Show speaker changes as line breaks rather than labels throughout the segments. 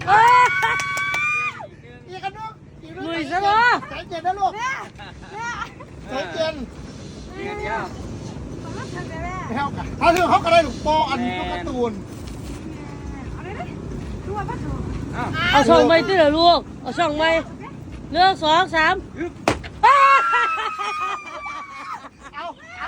อีกกันลูก
ลุยซะเนาะ
ใจเย็นนะลูกใจเย็นถ้าเรื่องเขาก็ได้ลูกโปอันนี้ก็การ์ตูน
เอาช่องไม้ที่เหลือลูกเอาช่องไม้1 2 3
เอา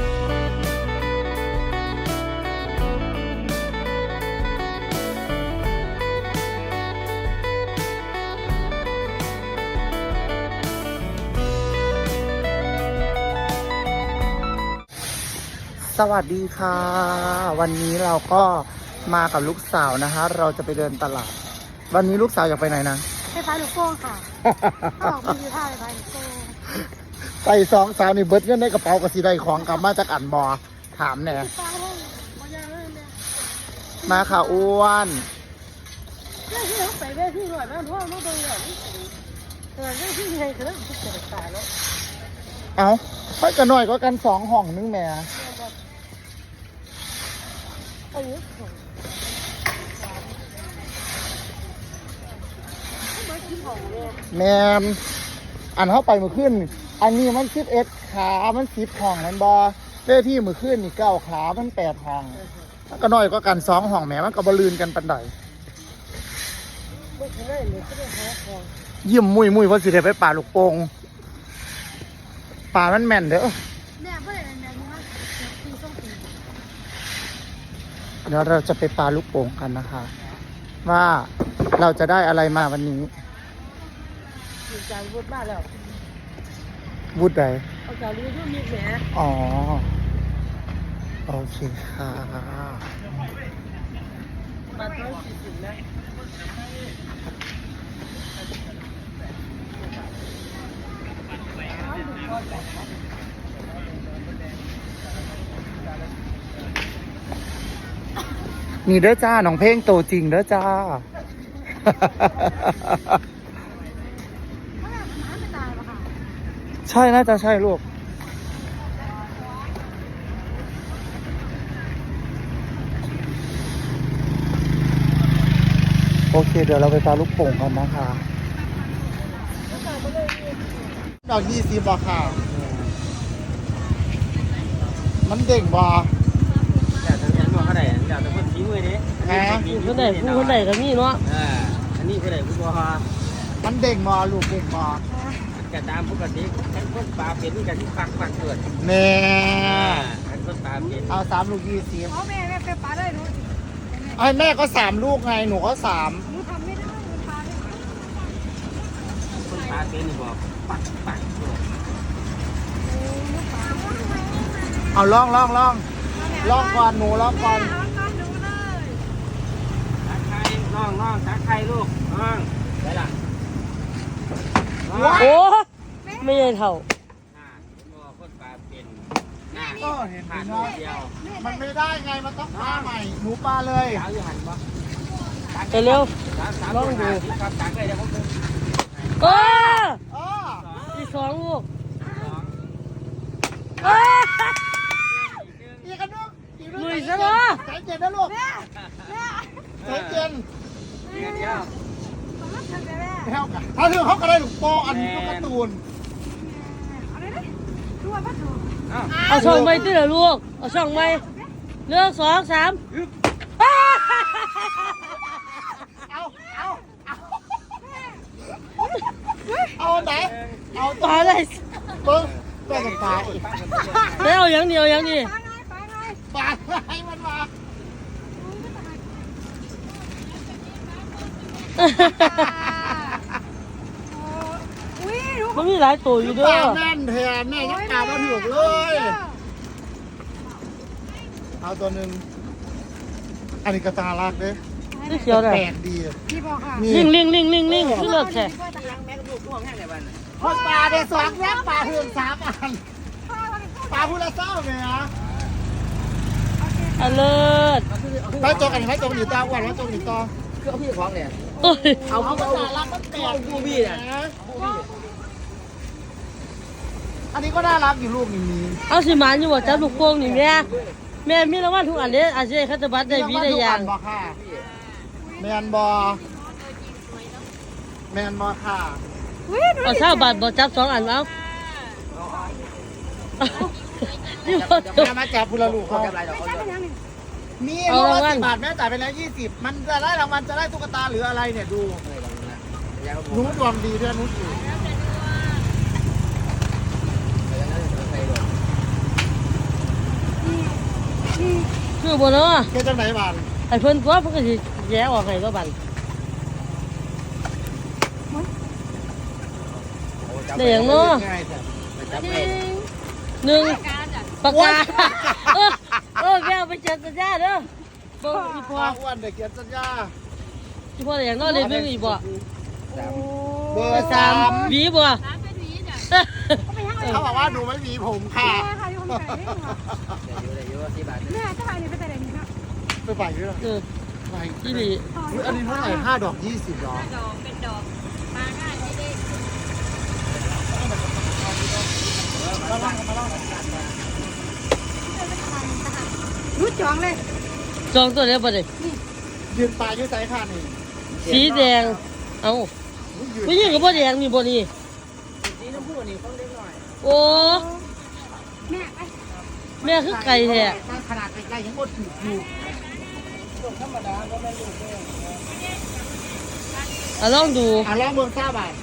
สวัสดีค่ะ วันนี้เราก็มากับลูกสาวนะคะเราจะไปเดินตลาดวันนี้ลูกสาวอยากไปไหนนะ
ไปพายลูกโป่งค่ะเขาบอกมีท่าไปพายลูกโป่ง
ใส่2 สาวนี่เบิดเงินในกระเป๋ากับสีใดของกลับมาจากอันบอถามแน่มาค่ะอ้วน
เรื่องที่เขาไปเวทีหน่อยนะเพราะว่าไม่ต้องอย่างนี้เรื่องที่ไงคือเรื่องที่เกิดตายแล้ว
เอาค่อยกันหน่อยก็กัน2 ห้องนึงแม่แมนอันเข้าไปมือขึ้นอันนี้มัน11 ขามัน10 ห้องนั่นบอเจ้ที่มือขึ้นนี่9 ขามัน8 ห้องก็น้อยก็กัน2 ห้องแม่มันก็บลืนกันปันใดยิ้มมุยเพราะสิได้ไปป่าลูกโป่งป่ามันแม่นเด้อเดี๋ยวเราจะไปปาลูกโป่งกันนะคะว่าเราจะได้อะไรมาวันนี้
มีการวุฒิบ้านแล้ว
วุฒิใด
เอาจากรู้ที่มีแหม
อ๋อโอเคค่ะ
มาต้น40นะ
นี่เด้อจ้าน้องเพลงโตจริงเด้อจ้าใช่น่าจะใช่ลูกโอเคเดี๋ยวเราไปปาลูกโป่งกันนะคะดอก20บาทค่ะมันเด้งบา
แต่ทางนี้มันเขาได้เดี๋ยวจะพูดทิ้งไว้ดิ
คนไหนก็มีเนาะ
อันนี้คนไหนพูดว่า
มันเด้งมาลูกเด้งมา
จะตามปกติทั้งคนปลาเป็นกันที่ปักเกิด
แม่
ทั้งคนปลาเป็น
เอา3 ลูก20
อ๋อแม่ไปปลาได้หนู
ไอ้แม่ก็3 ลูกไงหนูก็3
หนูทำไม่ได้หนูปลาไม่ได้
คนปลาเป็นนี่บอกปัก
เอาลองก่อนหนูลองก่อน
ตักไข่น้องตักไข่ลูกน้องไปละ
โอ้ไม่ใช่เท่า
คนปลาเป็น
ก็เห็นผ่าน
เดียว
มันไม่ได้ไงมันต้องปลาใหม่หนูปลาเลย
สาวอยู่หันปะ
ไปเร็ว
ลองดูครับตักเลยเดี๋ยวผมดู
อีก2 ลูก
อีกกันลูก
ลุยซะเนาะ
ใจเย็นนะลูกใจเย็นถ้าเรื่องเขาก็ได้ลูกโปอันนี้ก็การ์ตูน
เอาช่องไม้ที่เหลือลูกเอาช่องไม้1 2 3
เอาไหนเอา
ปลาอะไร
เบิ้งปลาปลา
แล้วอย่างเดียวอย่างนี้
ปลาให้มันมา
มันมีหลายตัวอยู่ด้วย
แม่นแทนแม่ยังตามาถูกเลย เอาตัวหนึ่งอันนี้กระตาลักเด้
นี่เขียวเลย
แปลกดี
ลิงคือเลิกแค่
ปลาได้2 แม่ปลาเฮือน3 อันปลาพูดละเศร้าเลยนะ
เลิศ
ไปจกกันให้จกหนีตาวันแล้วจกหนีตา
คือเอาพี่ของเนี่ย
เอากระตาลักมันแปลก
บูบี้เนี่ย
อันนี้ก็น่ารักอยู่ลูกนี้
เอาสิมันอยู่ว่าจับลูกโป่งนี่แม่มีรางวัลทุกอันเลยอาจจะคัตบัตได้วีได้ยัง
แมนบอแมนบอค่ะ
เอาเช้าบาทบ่จับ2อันเอานี่บ่
แม่มาจับพุละลูกเขา
อะไรหรอก
มีเพราะว่า10 บาทแม่จ่ายไปแล้ว20มันจะได้รางวัลจะได้ตุ๊กตาหรืออะไรเนี่ยดูหนูดวงดีด้วยหนูถูก
คือบ่เนาะ
แค่จังไหนบ้าน
ไอ้เพิ่นตัวเพิ่นก็สิแย่ออกให้ก็บันได้หยังเนาะ
จับไป
หนึ่งปากกาแก้วไปเจอสัญญาเด้อบ่อี
พ่
พ่
อ
อ
อ้วนเด็กเกียรติสัญญา
อีพ่อได้หยังเนาะเลยมึงอีบ่
เบอร์
3หวีบ่
เขาบอกว่าหนูไม่มีผมค่ะ
แม่ค่ะอยู่คนไหน
ได้อยู่ที่บ้าน
แม่จะไปนี่ไปแต่ไหนนี่ครับ
ไปไปด้วย
เออ
ไป
ที่นี่
อันนี้เท่าไหร่5 ดอก 20 ดอก
ดอกเป็นดอกมาง่ายไม่ได้รู้จองเลย
จองตัวแล้วบ่ได้
ยืนปลายืนใส่ค่ะนี่
สีแดงเอ้าผู้หญิงก็บ่แดงนี่บ่นี่
สีน้ำผู้นี่เขาเล็กหน่อย
โอ้
แม่ไป
แม่คือไก่แท้
ขนาดใกล้ๆยังหมดถืออยู่
ธรรมดาก็ไม่รู้
ลองดู
ลองเบิ่งซ่าบาท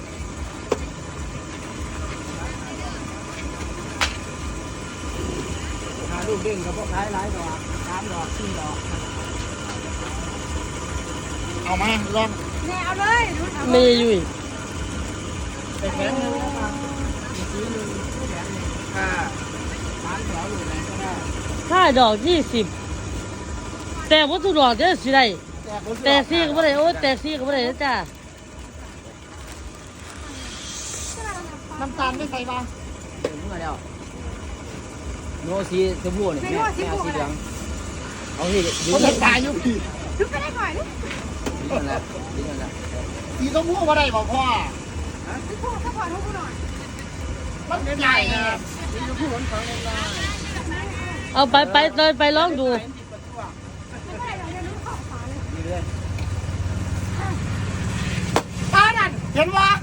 หาลูกเด้งกับพวกขายหลายดอก3 ดอก 4 ดอก
เอามาลอง
แม่เอาเลยรู้ทำ
ไม่ยุ่ย
ไปแข็งเลยนะ
สีนึงแขนนี่ค่ะ3 แถวอยู่ไหนก็ได้
5 ดอก 20แต่บ่ทุกดอกเด้อสิได้แต่ซี่ก็บ่ได้โอ้แต่ซี่ก็บ่ได้เด้อจ้า
น้ำตาลไม่ใส่บ้าง
เมื่อแล้วโนสีชมพูนี่แม่สีเหลืองเอาที่
เขาจะตายอยู่พี่
รู้ไปได้ก่อนดิ
ดิ้นแล้วดิ้นแล้ว
สีต้องพูดว่าได้บอกพ่อ
พี่พูดถ้าพอทุกคนหน่อย
มันใหญ่นะ
สีชมพูของเล่นน้อย
เอาไปเลยไปลองดู
ไม่ได้เราเรียนรู้ของฝาเลย
นี่เลย
ตาดันเห็นวะ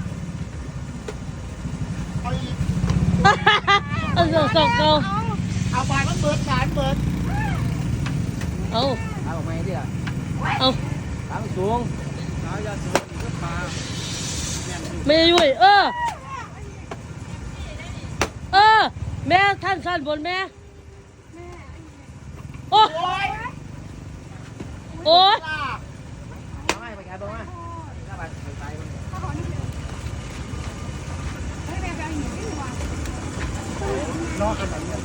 เอาอีก
เอาสองเก่า
เอาไปมันเบิดสารเบิด
เอา
ถามออกมาดิล่ะ
เอา
ถามสูงถามยาสูงก็ปลา
ไม่ยุ่ยแม่ท่านสั้นบนแม่โอ้
โอ้ย
โอ้ย
เอาไงไปแกตรงมาถ้าไปไป
ถ้าพอนี่เดียวเฮ้ยแม่ไปเอาหินไม่หวาน
นอกกันแบบนี้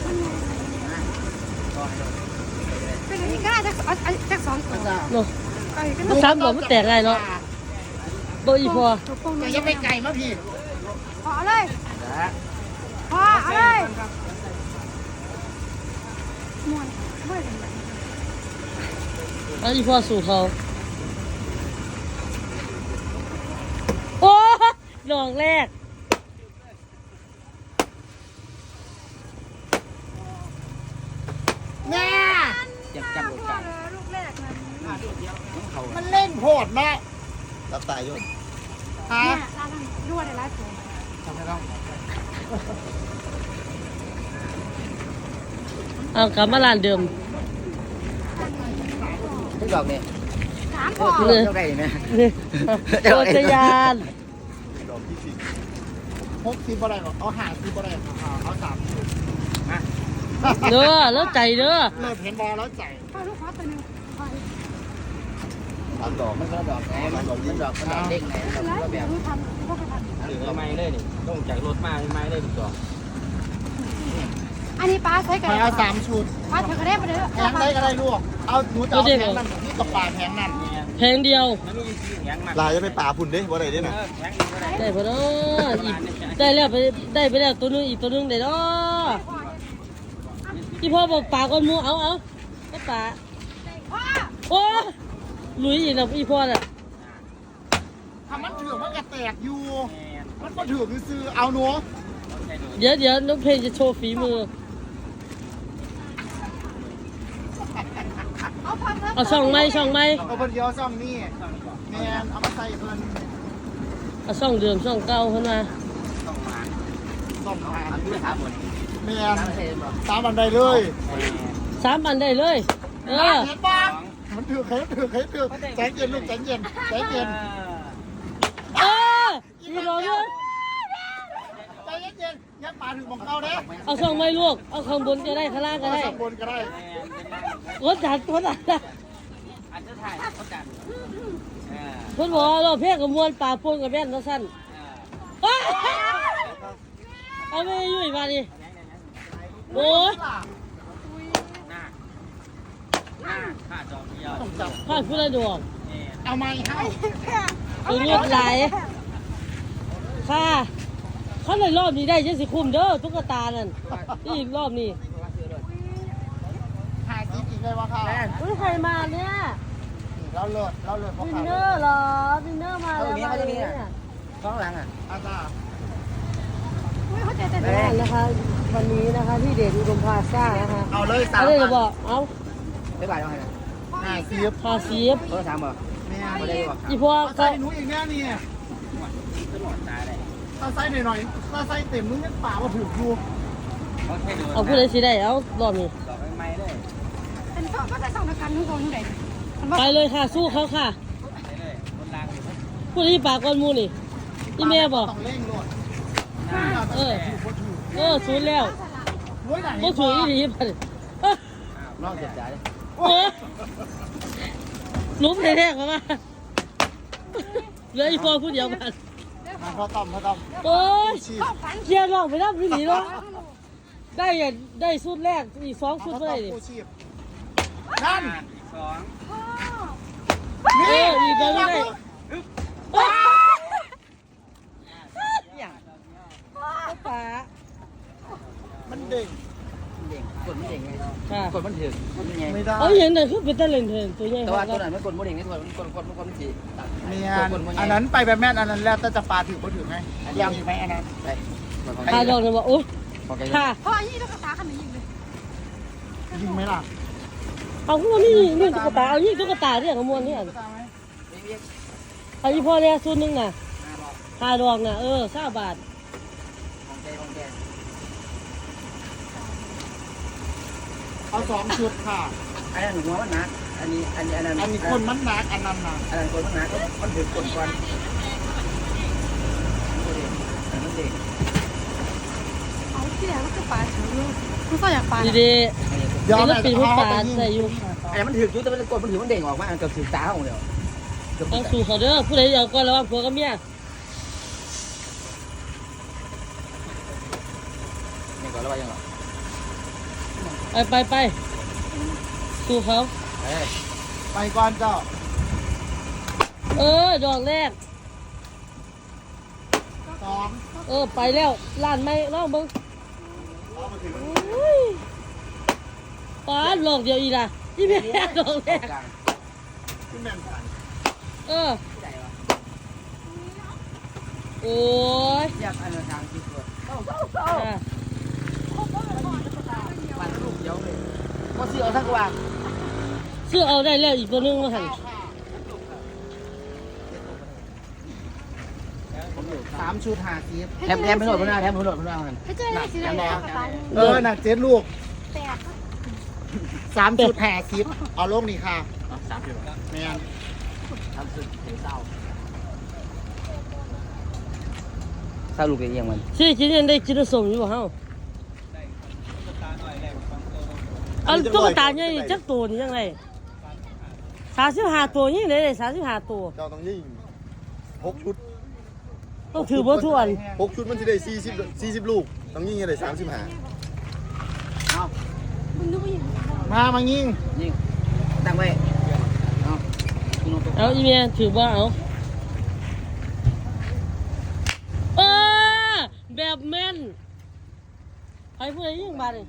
เป็นอย่างนี้ก็ได้จาก2ตัว
โน่มันซ้ำบ่มันแตกไงเนาะบ่อีพอ
แต่ยังไม่ไก่มาพี่
พอเลย
แล้ว
พอเอาเลยมวนเมื่อไหร่
เอาอีพอสู่เขาโอ้ดอกแรก
แม่
จับลูกกัน
ลูกแรกนั้น
เขา
มันเล่นโหดมาก
รับตายยุ่น
ฮะ
เนี่ยร้านนั้นรั่วในร้านผม
ทำไมต้อง
เอากลับมาร้านเดิม
ทุกดอกเนี่ย
3พอ
เลย
เจ้าไก่ไหม
โอชยาน
ดอกที่10
60บ่ได้หรอกเอา50บ่ได้เอา30
เด้อแล้วใจเด้อ
เลิศเห็นบอลแล้วใจ
พอลูกขอตัวนึงพอ
3 ดอก
มันก็ดอกไงมันดอกเด้งไงดอก
แล้ว
ก็แบ
เดี๋ยว
บ
รู้ทำก็ไปท
หรือไม้เลยนี่ต้องจากรถมาไม้เลยทุกดอก
ำอันนี้ป้าใช้กัน
ไปเอา3 ชุด
ป้าเธอก็ได้มาเลย
แพงได้ก็ได้ลูกเอาหนูจะเอาแพงนั่นที่กับปลาแพงนั่น
แพงเดียว
มันมีสีแข็งมาก
ลายจะไปป่าพุ่นเด้บ่ได้เด้น่ะ
แข็งอีกก็ได้
ได้พอเนาะอีกได้แล้วไปแล้วตัวนึงอีกตัวนึงได้เนาะที่พ่อบอกปลาก้อนหมูเอาก็ปลา
พ่อ
โอ้หลุยอีกแล้วอีพ่อน่ะ
ถ้ามันถือมันก็แตกอยู่มันก็ถือซื้อเอาหนู
เดี๋ยวน้องเพลงจะโชว์ฝีมือ
เอาพันแล้ว
เอาช่องไหม
เอาเพิ่นเดียวซ่อมนี่แมนเอามาใส่เพิ่น
เอาช่องเดิมช่องเก่าขึ้นมา
ต้องมา
ซ่อมหา
ทำด้วยถามหมด
แม่น
ถามเห็นบ่
ตามบันไดเลย
3 อันได้เลย
เห็นปะมันถือใจเย็นลูกใจเย็นใจเย็น
เอออีบอกเลย
ใจเย็นยักปลาถึงของเขาเด้
เอาช่องไม่ลวกเอาข้างบนก็ได้ข้างล่างก็ได้
ข้างบนก็ได้
กดจัดกดจัด
อันจะถ่ายเขาจัด
เพิ่นบอกว่าเราเพียกับมวลป่าปนกับแม่นแล้วสั้นเอาไม่ยุ่ยมาดิโอ้ย
หน้าข้าจอมเดียว
ต้องจับ
พลาดพูดอะไรดวง
เอาไม้ให้
เอาเลือดไหลค่ะเขาเลยรอบนี้ได้ยังสิคุมเด้อตุ๊กตานั่นนี่อีกรอบนี้
หาจิ๊บอีกเลยวะค่ะ
อุ้ยใครมาเนี่ย
เราเลิศเพราะ
วิน
ขา
เนอร์เหรอวินเนอร์มาแล้วมาเลยเนี่ย
ข้างหลังอ่ะ
อาจารย์
นั่นนะคะวันนี้นะคะที่เดชอุดมพลาซ่านะคะ
เอาเลย3
เอาเลยเหรอบอกเอา
ไม่บาดเอาไง
หาจิ๊บ
พาซีฟ
เขาถามบ่
แม่
ไม่ได้บ่
อีพวก
ใส่
เขา
หนูอีกแน่นี่
ตลอดตาเลย
ถ้าใส่หน่อยถ้าใส่เต็มมึงยังป่ามาถึงอยู่
เขาแค่ดู
เอาผู้ใดสิได้เอารอบนี้
ดอกไม้เลย
เป็นสองก็จะสองนักการทุกคนไหน
ไปเลยค่ะสู้เขาค่ะ
ไปเลยคนล่างเลย
ผู้ที่ปากก้อนหมูนี่อีแม่บอก
ต้องเร่งโลด
ศูนย์แล้ว
รวยไหน
ก็ถืออีดีไป
นอกเจ็บใจเลย
โอ้ลุ้มแท้ๆเขามาเหลืออีพอผู้เดียวกัน
พอต่ำ
โอ้ย
ชีพ
เคลียร์ลองไปรับวิธีเนาะได้อย่างได้สุดแรกอีก2ชุดเท่าไหร่ดิ
ชีพนั่น
อีกสอง
อีกเดียวได้ป๋า
มันเด้ง
เด้งกดมันเด้งไง
ค่ะ
กดมันถึงมันไง
ไม่ได้
เอาอย่างนั้นคือเป็นตะเล่นเถินตัวใหญ่
แต่
ค
ว่า
รับ
ตัวนั้นมันกดมันเด้งไงตัวมันกดมันจี
เนี่ยอันนั้นไปแบบแม่นอันนั้นแล้วจะปลาถือก็ถือไงยาวถือไหมอันนั้น
ใช่
พาดอกเลยว่าโอ๊ยค่ะ
พ่อยี่ตุ๊กตาขนาดยิงเลย
ยิงไหมล่ะ
เอาขึ้นมานี่ตุ๊กตาเอานี่ตุ๊กตาเนี่ยขโมยเนี่ยเอาอีพ่อเนี่ยชุดนึงน่ะ5 ดอกน่ะ20 บาท
เอา2 ชุดค่ะ
อันนั้นหัวมันหนักอันนี้อันนั้น
อันนี้คนมันหนักอันนั้นหนัก
อันนั้นคนมันหนักมันถึงกดก่อนมันเด้ง
เอาที่ไหนมันคือปลาถือคุณก็อยากปลา
ดี
เดี๋ยว
ๆ
แม่
แล้วปีน
จะ
ผู้
เอา
ปา
ไปยิง
ใส่อยู่
ไอ้มันถึงจุดแต่มันกดมันถึงมันเด้งออกมาเกือบถึงตาของเดียว
ต้องสู่เขาเด้อผู้ใดเอาก่อนระวังผัวกับเมีย
นี่ก่อนแล้วว่ายังหรอ
ไปสู่เขา
ไปก่อนเจ้า
ดอกแรก
2
ไปแล้วล้านไม่ลองเบิ่งป้าดอกเดียวอีล่ะอีแม่ดอกแรก
ขึ้นแม่นผ่าน
โอ้ย
อยากอันนั้นทางที่ตัว
อ่ะ
มันลูกเดียวเลยก็ซื้อเอาสักว่า
ซื้อเอาได้แล้วอีกตัวนึงมาหัน
3 ชุดหาจิ๊บ
แถมไปโหลดพนักแถมไปโหลดพนักกัน
ให้เจอได้สิได้แล้วปลา
หนัก7 ลูก
แตก
3 ชุดหาจิ๊บเอาลงนี่ค่ะแม่น
ทำสุดเศร้าเศร้าลูกเอียงมัน
สิกินยังได้กินสมอยู่บ่เฮาอันตุ๊กตาใหญ่นี่จักตัวนี่ยังไง35 ตัวนี่ได้35 ตัว
เจ้าต้องยิง6 ชุด
ต้องถือบ่ทุกอัน
6 ชุดมันจะได้40 ลูกต้องยิงให้ได้35
เอา
มึงนึกว่าอย่างนี้
มายิง
ยิงตั้งไว้เอาคุณลงตัว
เอาอีเมียถือบ่เอาแบบแม่นใครผู้ใดยิงบาดนี่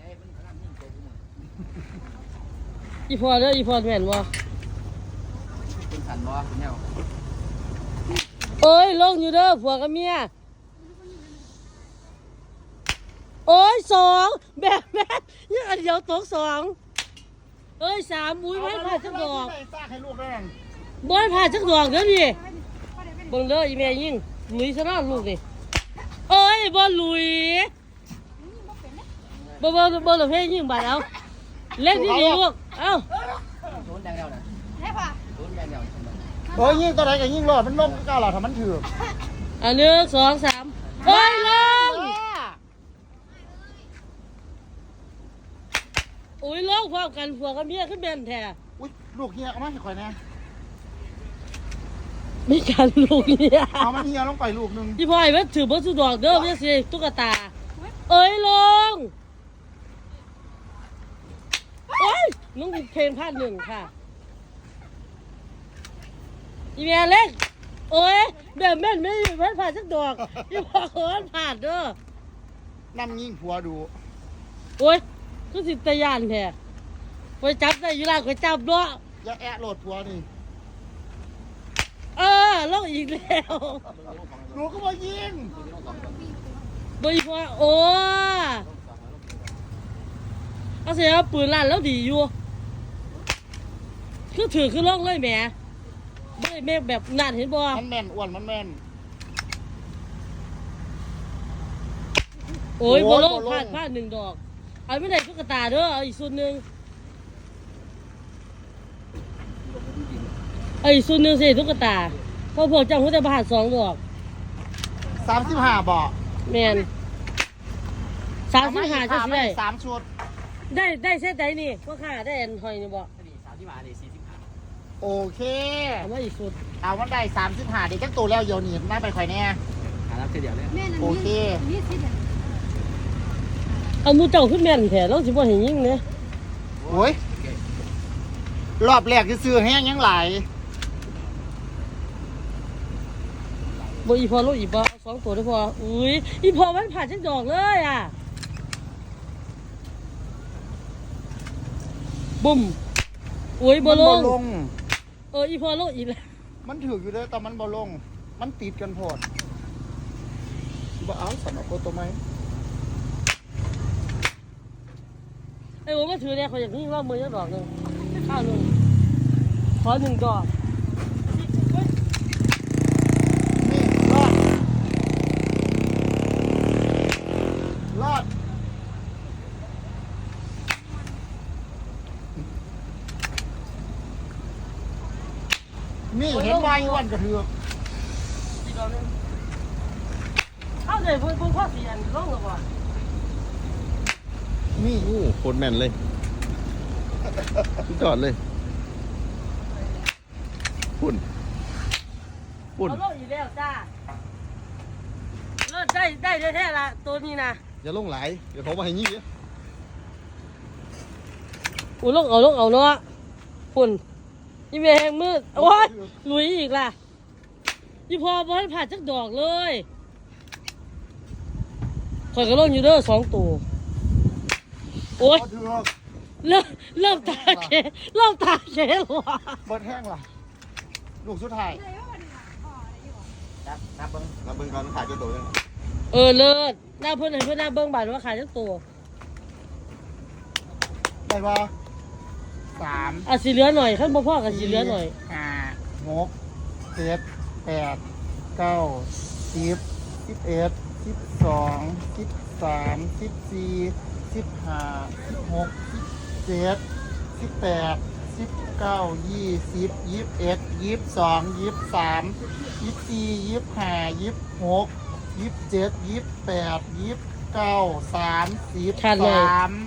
อีพอเด้ออีพอแม่นบ่
เป็นสันบ่เป็นแนว
ลงอยู่เด้อผัวกับเมีย2แบบแม่นยังอันเดียวตก2 3อุ้ยไม่ผ่าจักดอก
ซากให้ลูกแม่น
บ่ผ่าจักดอกเด้อนี่เบิ่งเด้ออีแม่ยิงลุยซะเนาะลูกนี่เอ้ยบ่ลุยบ่หลบเพลงยิงบาดเอาเล่นดีๆลูกเอ้า
โดนแดงเดียวนะโดนแดงเดียว
โอ้ยยิ่งตัวไหนก็ยิ่งรอดมันลงก็หรอถ้ามันถือ
อัน1 2 3โอ้ยลงโอ้ยลงพร้อมกันผัวกับเมียขึ้นแม่นแท้
อุ้ยลูกเฮียเอามาให้ข่อยแน่
มีการลูกเนี่ย
เอามันเฮียลงไปลูกนึง
พี่พ่อยมันถือบ่สุดดอกเด้อไม่ใช่ตุ๊กตาเอ้ยลงโอ้ยน้องเพลงพลาด1ค่ะอีเมียเล็กโอ้ยแบบแม่นไม่มีพันผ่านสักดอกพี่พ่อขอผ่านเด้อ
นั่งยิ่งผัวดู
โอ้ยก็สิตะยานแท้ไปจับได้อยู่ล่างไปจับเนาะ
อย่าแอะโหลดผัวนี่
ลงอีกแล้ว
หนูก็มายิง
บ่อีพ่อโอ้เอาเสียปืนลั่นแล้วดีอยู่คือถือคือล่องเลยแหมไม่แม่แบบนั่นเห็นบ่
มันแม่นอ้วนมันแม่น
โอ้ย
โอ้
บ่
ย
ลง
บ่ลง
พลาด1ดอกเอาไม่ได้ตุ๊กตาเด้อเอาอีกส่วนหนึงเอาอีกส่วนหนึงสิตุ๊กตาเพราะพวกเจ้าเขาจะผ่าน2ดอก
35บ่
แม่น35จะสิได้
3ชุด
ได้เส้นใดนี่พ่อค้าได้อันหอยนี่บ่
นี่30 บาทเลย45
โอเค
เอามาอีกสุด
เอามันได้35เดี๋ยวจังตัวแล้วเดี๋ยวนี้น่าไปข่อยแน่
หารับเดียวเลย
โอเค
เอาหมูเจ้าขึ้นแม่นแท้เราสิบ่เห็นยิงเด้
โอ้ยรอบแรกซื้อแห้งยังหลาย
บ่อีพอโลอีบ่เอา2ตัวได้พออุ้ยอีพอมันผ่านจังดอกเลยอ่ะบุ้มโอ้ยบ่
มัน
ล
บ่
ง
ลง
อีพอโลอีกแล้ว
มันถืออยู่เด้อแต่มันบ่ลง มันติดกันโพดบ่เอาสำหรับตัวไหม
ไอ้โอ้มาถือเนี่ยเขาอยากยิงว่ามือจังดอกนึงข้าวนึงขอ1ดอก
นี่รอด รอด นี่เห็นว่าอ้วนกระเทือก
อีกดอกนึงเอาเลยเพิ่นพ่อสิอันลงแล้วบ่
นี่
โอ้โคตรแม่นเลยจอดเลยปุ่น
เอาโลอีกแล้วจ้าเลิศได้แท้ๆล่ะตัวนี้นะ
อย่าลงไหลายเดี๋ยวเขามาให้ยี่เนี่ย
อุ้ยลงเอาเนาะฝุ่นอีเมแหงมืดโอ้ยลุยอีกล่ะอีพอบ่ให้ผ่านจักดอกเลยข่อยก็ลงอยู่เด้อ2ตัวโอ้ย
กระเทือก
เริ่มตาเขหรอ
เบิดแห้งล่ะ ลูกสุดท้าย
นับเบิ้ง
นับเบิ่งก่อนขายเจ้าตัวยัง
เลิศหน้าเพิ่นให้เพิ่นหน้าเบิ่งบาดว่าขายจักตัว
ได้ปะ3
อ่ะสิเหลือหน่อยคันบ่พอก็สิเหลือหน่อย
5 6 7 8 9 10 11 12 13 14 15 16 17 18 19 20 21 22 23 24 25 26 27 28 29 30
ขาดเลย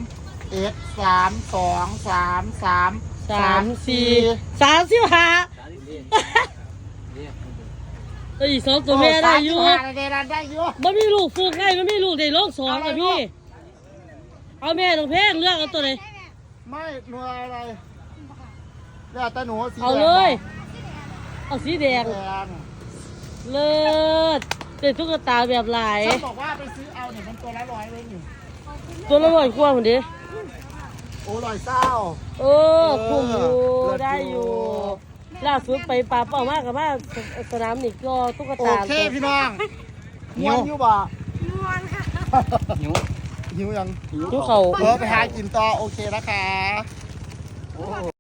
3 2 3 3
3 4 35อีก2ตัวแม่ได้อยู่
ได้อยู่
บ่มีลูกฟูกไงบ่มีลูกได้ลง2อ่ะพี่เอาแม่น้องเพลงเลือกเอาตัวไหน
ไม่หนูอะไรแล้วแต่หนูสี
เอา
แดง
เลยเอาสีแดง
แดง
เลิศเป็นตุ๊กตาแบบหลาย
ฉันบอกว่าไปซื้อเอาเนี่ยมันตัวละ100เลยอยู่
ตัวละ100กว่าหมดดิ
โอ้100เศร้า
คุ้มอยู่
เลิศอยู่
ได้อยู่ล่าสุดไปป่าเป่ามากกับว่าสนามนี่ก็ตุ๊ก
โอ
ตา
เคพี่น้องม้วนอยู่บ่
หิว
หิวยัง
ดูเขา
ไปหากินต่อโอเคนะคะโอ้โห